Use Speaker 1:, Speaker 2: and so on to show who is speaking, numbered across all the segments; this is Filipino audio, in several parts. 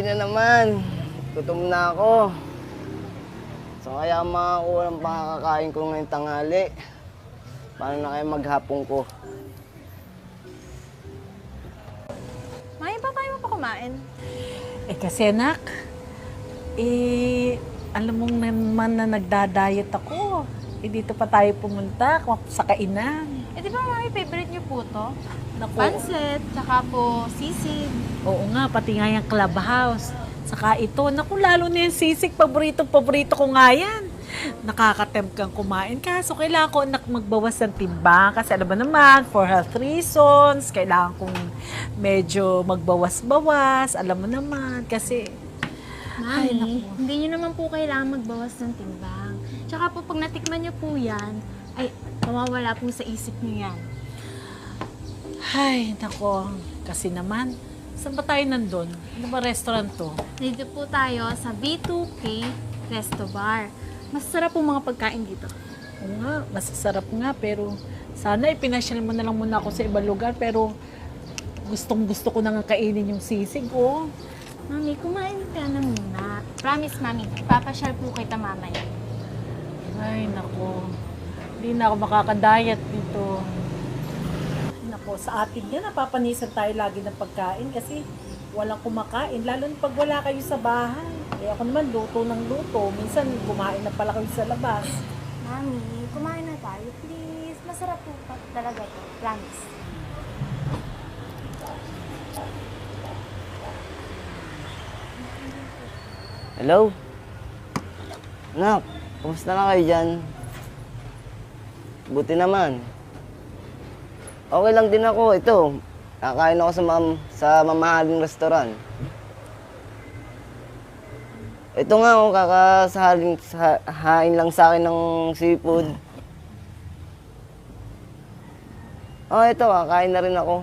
Speaker 1: na naman. Gutom na ako. So kaya mga ulam pakakain ko ngayong tanghali. Paano na kaya maghapon ko?
Speaker 2: Maya, ba tayo mo pa kumain?
Speaker 3: Kasi anak, alam mong naman na nagda-diet ako. Dito pa tayo pumunta sa kainan.
Speaker 2: Di ba mami, favorite niyo po to?
Speaker 3: Naku.
Speaker 2: Pansit, tsaka po sisig.
Speaker 3: Oo nga, pati nga yung clubhouse. Saka ito, naku, lalo na yung sisig, paborito ko nga yan. Nakakatempt kang kumain. Kaso kailangan ko anak magbawas ng timbang. Kasi alam mo naman, for health reasons, kailangan kong medyo magbawas-bawas. Alam mo naman, kasi... Ay,
Speaker 2: Mami,
Speaker 3: naku.
Speaker 2: hindi niyo naman po kailangan magbawas ng timbang. Tsaka po, pag natikman niyo po yan, ay, mawawala po sa isip niyo yan.
Speaker 3: Ay, nako. Kasi naman, saan ba tayo nandun? Ano ba restaurant to?
Speaker 2: Dito po tayo sa B2K Resto Bar. Masarap po mga pagkain dito.
Speaker 3: Oo nga, masasarap nga, pero sana ipinasyal mo na lang muna ako sa ibang lugar, pero gustong-gusto ko na nga kainin yung sisig, oh.
Speaker 2: Mami, kumain ka na muna. Promise, Mami, ipapasyal po kita mamaya.
Speaker 3: Ay, nako. Hindi na ako makakadayat dito. Ay, nako, sa atin yan, napapanisan tayo lagi ng pagkain kasi walang kumakain, lalo na pag wala kayo sa bahay. Kaya ako naman, luto ng luto. Minsan, kumain na pala kayo sa labas.
Speaker 2: Mami, kumain na tayo, please. Masarap po talaga to. Promise.
Speaker 1: Hello? Anak, kumusta na kayo dyan? Buti naman. Okay lang din ako. Ito, kakain ako sa mamahaling restaurant. Ito nga, oh, kakasahain lang sa akin ng seafood. Oh, ito, kakain na rin ako.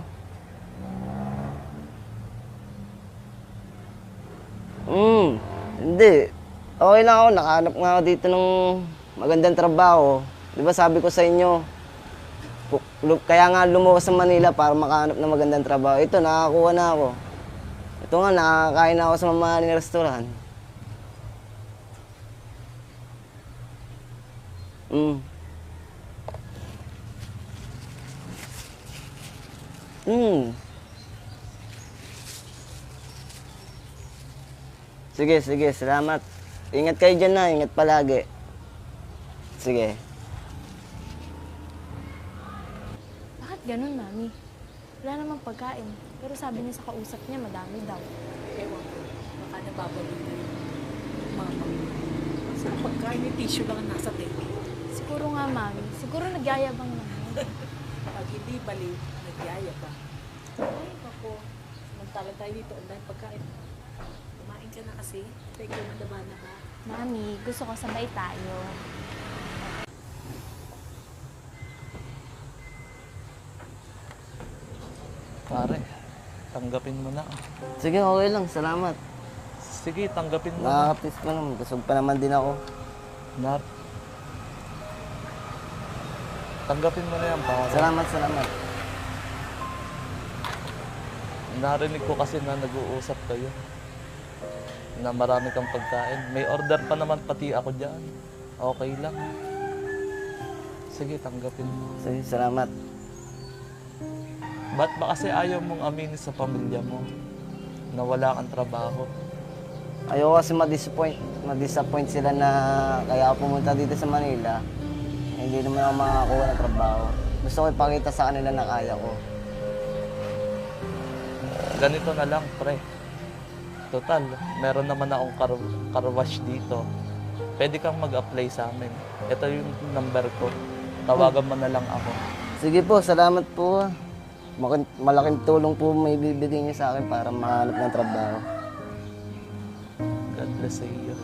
Speaker 1: Hindi. Okay lang ako. Nakahanap nga ako dito ng magandang trabaho. Di ba sabi ko sa inyo, kaya nga lumuwas sa Manila para makahanap ng magandang trabaho. Ito, nakakuha na ako. Ito nga, nakakain na ako sa mamahaling restaurant. Mm. Mm. Sige, sige, salamat. Ingat kayo dyan na, ingat palagi. Sige.
Speaker 2: Bakit ganun, Mami? Wala namang pagkain. Pero sabi niya sa kausap niya, madami daw.
Speaker 3: Ewan ko, baka nababalik na yung mama. Sa pagkain, yung tissue lang ang nasa table.
Speaker 2: Siguro nga, Mami. Siguro nagyayabang naman.
Speaker 3: Pag hindi baliw, nagyaya pa. Ay, ako. Samantala tayo dito, ang dahil pagkain. Kumain ka na kasi. Teka, madaba na ka.
Speaker 2: Mami, gusto ko sabay tayo.
Speaker 4: Pare, tanggapin mo na.
Speaker 1: Sige, okay lang, salamat.
Speaker 4: Sige, tanggapin mo na.
Speaker 1: Nakakapis pa naman, busog pa naman din ako.
Speaker 4: Nat. Tanggapin mo na yan, pare.
Speaker 1: Salamat, salamat.
Speaker 4: Narinig ko kasi na nag-uusap kayo. Na marami kang pagkain. May order pa naman pati ako dyan. Okay lang. Sige, tanggapin mo.
Speaker 1: Sige, salamat.
Speaker 4: Ba't ba kasi ayaw mong aminin sa pamilya mo na wala kang trabaho?
Speaker 1: Ayoko kasi ma-disappoint sila na kaya ako pumunta dito sa Manila. Hindi naman ako makakakuha ng trabaho. Gusto ko ipakita sa kanila na kaya ko.
Speaker 4: Ganito na lang, pre. Total, meron naman akong car wash dito. Pwede kang mag-apply sa amin. Ito yung number ko. Tawagan mo na lang ako.
Speaker 1: Sige po, salamat po. Malaking tulong po may bibigay niyo sa akin para mahanap ng trabaho.
Speaker 4: God bless sa iyo.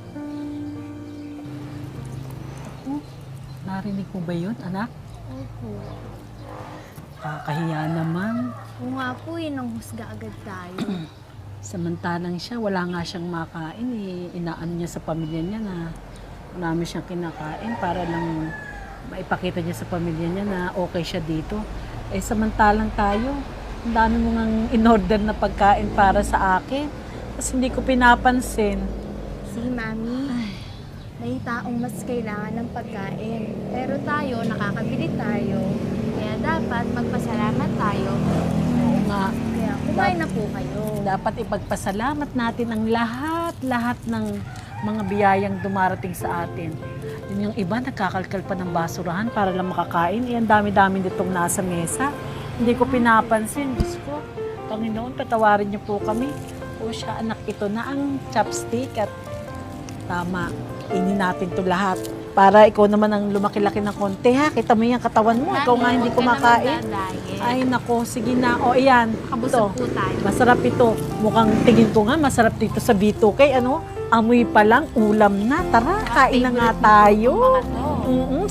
Speaker 3: Narinig mo ba yun, anak?
Speaker 2: Opo.
Speaker 3: Kakahiya naman.
Speaker 2: Oo nga po, nang husga agad tayo.
Speaker 3: Samantalang siya, wala nga siyang makain. Inaano niya sa pamilya niya na marami siyang kinakain para lang maipakita niya sa pamilya niya na okay siya dito. Samantalang tayo, ang dami mo ngang in-order na pagkain para sa akin. Tapos hindi ko pinapansin.
Speaker 2: Si Mami, may taong mas kailangan ng pagkain. Pero tayo, nakakabili tayo. Kaya dapat magpasalamat tayo.
Speaker 3: Oo nga.
Speaker 2: Kaya kumain na po kayo.
Speaker 3: Dapat ipagpasalamat natin ang lahat ng mga biyayang dumarating sa atin. Yun yung iba, nagkakalkal pa ng basurahan para lang makakain. Eh, ang dami-dami nitong nasa mesa. Hindi ko pinapansin. Diyos ko, Panginoon, patawarin niyo po kami. O siya, anak, ito na ang chopstick at tama, inin natin to lahat. Para ikaw naman ang lumaki-laki ng konti, ha? Kita mo yung katawan mo. Ikaw nga hindi kumakain. Ay, nako, sige na. O, ayan.
Speaker 2: Kabusog
Speaker 3: Ito.
Speaker 2: po tayo.
Speaker 3: Masarap ito. Mukhang tingin ko nga, masarap dito sa B2K. Ano? Amoy pa lang, ulam na. Tara, kain na nga tayo.
Speaker 2: Mga to.
Speaker 3: Mm-mm.